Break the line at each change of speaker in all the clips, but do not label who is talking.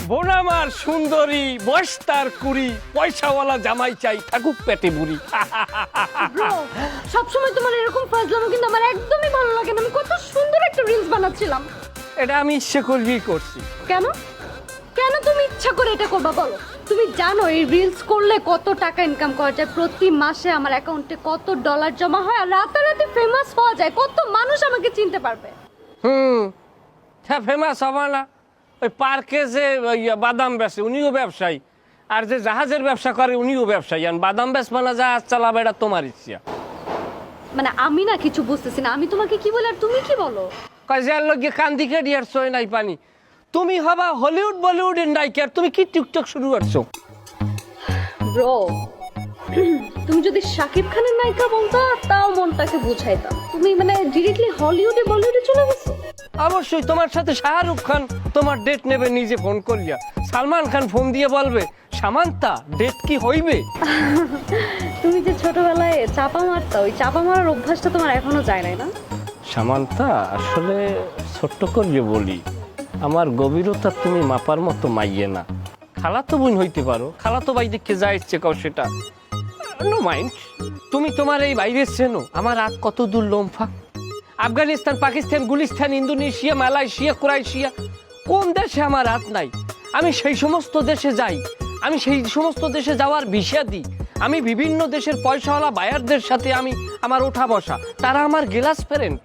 বোন আমার সুন্দরী, বয়স তার 20, পয়সাওয়ালা জামাই চাই, থাকুক পেটে বুড়ি।
ব্রো সবসময় তোমার এরকম ফাজলামো কিন্তু আমার একদমই ভালো লাগে না। আমি কত সুন্দর একটা রিলস বানাচ্ছিলাম।
এটা আমি ইচ্ছে করবি করছি।
কেন কেন তুমি ইচ্ছা করে এটা করবা বলো? তুমি জানো এই রিলস করলে কত টাকা ইনকাম করা যায়? প্রতি মাসে আমার অ্যাকাউন্টে কত ডলার জমা হয়, আর রাতারাতি ফেমাস হওয়া যায়। কত মানুষ আমাকে চিনতে পারবে।
হ্যাঁ, ফেমাস হবে না? ওই পার্কে যে বাদাম বেচে উনিও ব্যবসায়ী, আর যে জাহাজের ব্যবসা করে উনিও ব্যবসায়ী। আর বাদাম বেচবে না, জাহাজ চালাবে, এটা তোমার ইচ্ছা।
মানে আমি না কিছু বুঝতেছি না। আমি তোমাকে কি বলি আর তুমি কি বলো?
কয় যার লগে কান্দি কেডি আর সই নাই পানি। তুমি হবা হলিউড বলিউডের নায়িকা, আর তুমি কি টিকটক শুরু করছো?
ব্রো তুমি যদি শাকিব খানের নায়িকা বলতো তাও মনটাকে বুঝাইতাম। তুমি মানে ডিরেক্টলি হলিউডে বলিউডে চলে গেছো।
অবশ্যই তোমার সাথে শাহরুখ খান তোমার ডেট নেবে নিজে ফোন করিয়া। সালমান খান ফোন দিয়ে বলবে সামান্তা ডেট কি হইবে।
তুমি যে ছোটবেলায় চাপা মারতা, ওই চাপা মারার অভ্যাসটা তোমার এখনো যায় নাই না?
সামান্তা আসলে ছোট্ট করিয়ে বলি, আমার গভীরতা তুমি মাপার মতো মাইয়ে না। খালাতো বোন হইতে পারো, খালাতো ভাই দেখে যা ইচ্ছে কাও সেটা, নো মাইন্ড। তুমি তোমার এই বাইরে চেনো আমার রাত কত দূর লম্ফা। Afghanistan, Pakistan, Gulistan, Indonesia, Malaysia, Croatia, কোন দেশে আমার হাত নাই? আমি সেই সমস্ত দেশে যাই, আমি সেই সমস্ত দেশে যাওয়ার ভিসা দিই। আমি বিভিন্ন দেশের পয়সাওয়ালা বায়ারদের সাথে আমি আমার ওঠা বসা, তারা আমার গ্লাস ফ্রেন্ড।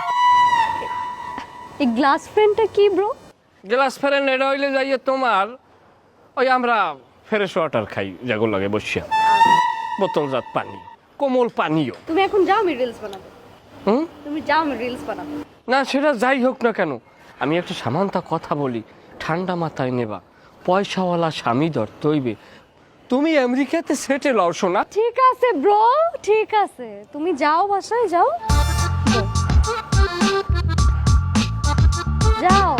এই গ্লাস ফ্রেন্ডটা কি ব্রো?
গ্লাস ফ্রেন্ড এটা হইলে যাইয়ে তোমার ওই আমরা ফ্রেশ ওয়াটার খাই, যেগুলো লাগে বসিয়া, বোতলজাত পানি, কোমল পানীয়।
তুমি এখন যাও, আমি রিলস বানাবো।
হুম,
তুমি যাও, আমি রিলস বানাবো।
না সেটা যাই হোক না কেন, আমি একটা সামান্তা কথা বলি, ঠান্ডা মাথায় নেবা। পয়সাওয়ালা স্বামী ধরতে হইবে। তুমি আমেরিকাতে সেটেল হও শোনা।
ঠিক আছে ব্রো, ঠিক আছে, তুমি যাও, বাসায় যাও, যাও।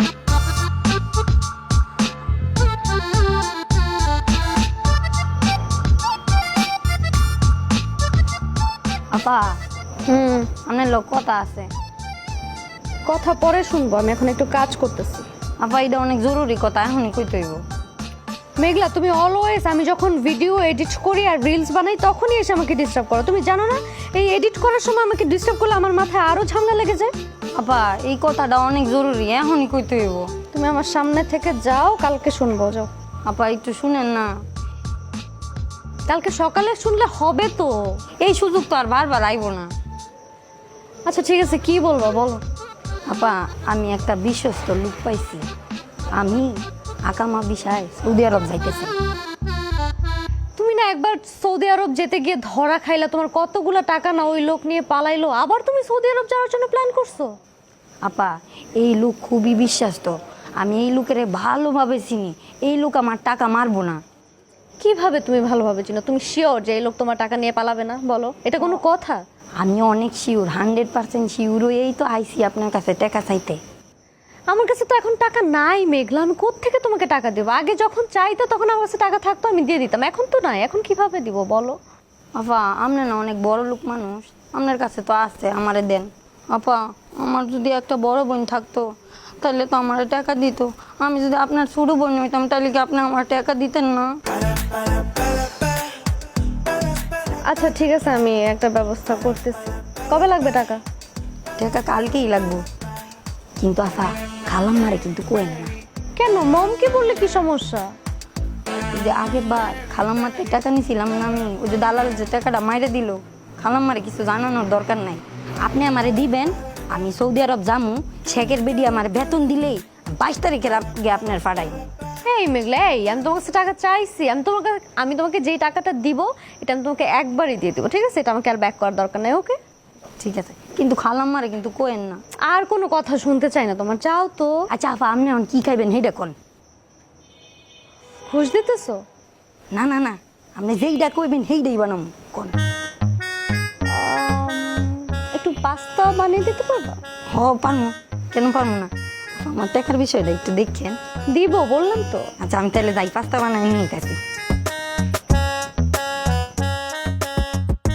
আপা আপনার লোক কথা আছে।
কথা পরে শুনবো, আমি এখন একটু কাজ করতেছি।
আপা এটা অনেক জরুরি কথা, এখনই কইতে হইব।
মেঘলা, তুমি অলওয়েজ আমি যখন ভিডিও এডিট করি আর রিলস বানাই তখনই এসে আমাকে ডিস্টার্ব করো। তুমি জানো না এই এডিট করার সময় আমাকে ডিস্টার্ব করলে আমার মাথায় আরো ঝামেলা লেগে যায়।
আপা এই কথাটা অনেক জরুরি, এখনই কইতে হইব।
তুমি আমার সামনে থেকে যাও, কালকে শুনবো, যাও।
আপা একটু শুনেন না,
কালকে সকালে শুনলে হবে তো।
এই সুযোগ তো আর বারবার আইব না।
আচ্ছা ঠিক আছে, কি বলবো বলো।
আপা আমি একটা বিশ্বস্ত লোক পাইছি, আমি আকামা বিষয় সৌদি আরব যাইতেছি।
তুমি না একবার সৌদি আরব যেতে গিয়ে ধরা খাইলা, তোমার কতগুলো টাকা না ওই লোক নিয়ে পালাইলো, আবার তুমি সৌদি আরব যাওয়ার জন্য প্ল্যান করছো?
আপা এই লোক খুবই বিশ্বাস্ত, আমি এই লোকের ভালোভাবে চিনি, এই লোক আমার টাকা মারবো না।
কিভাবে তুমি ভালোভাবে চিনো? তুমি শিওর যে এই লোক তোমার টাকা নিয়ে পালাবে না? বলো, এটা কোনো কথা?
আমি অনেক শিওর, 100% শিওর, এই তো আইসি আপনার কাছে টাকা চাইতে।
আমার কাছে তো এখন টাকা নাই মেঘলা, আমি কোত্থেকে তোমাকে টাকা দেবো? আগে যখন চাইতো তখন আমার কাছে টাকা থাকতো, আমি দিয়ে দিতাম, এখন তো নাই। এখন কিভাবে দিব বলো?
আপা আপনি না অনেক বড় লোক মানুষ, আপনার কাছে তো আছে, আমারে দেন। আপা আমার যদি একটা বড় বোন থাকতো তাহলে তো আমার টাকা দিত। আমি যদি আপনার ছোট বোন হইতাম তাহলে কি আপনি আমার টাকা দিতেন না?
আচ্ছা ঠিক আছে, আমি একটা ব্যবস্থা করতেছি। কবে লাগবে টাকা?
টাকা কালকেই লাগবো, কিন্তু আপা খালাম মারে কিন্তু কোয়েন না।
কেন, মমকে বললে কি সমস্যা?
ওই যে আগের বার খালাম মারতে টাকা নিয়েছিলাম না আমি, ওই যে দালাল যে টাকাটা মাইরে দিল, খালাম মারে কিছু জানানোর দরকার নাই। আপনি আমারে দিবেন, আমি সৌদি আরব যামু, শেখের বেডি আমার বেতন দিলেই 22 তারিখের আগে আপনার ফাড়াই।
এই মেঘলা, এই আমি তোমার কাছে টাকা চাইছি, আমি তোমাকে যেই টাকাটা দিব এটা আমি তোমাকে একবারই দিয়ে দিব, ঠিক আছে? এটা আমাকে আর ব্যাক করার দরকার নাই, ওকে?
ঠিক আছে, কিন্তু খালাম মারে কিন্তু কোয়েন না।
আর কোনো কথা শুনতে চাই না তোমার, চাও তো।
আচ্ছা আপা আপনি এখন কি খাইবেন সেইটা কোন?
ঘুষ দিতেছো?
না না না, আপনি যেইটা কইবেন সেইটাই বানাম কোন।
একটু পাস্তা বানিয়ে দিতে পারবা?
হ পারমু, কেন পারমু না। আমার টাকার বিষয়টা একটু দেখছেন।
দিব বললাম তো।
আচ্ছা আমি তাহলে যাই, পাস্তা বানাই নিয়ে গেছি।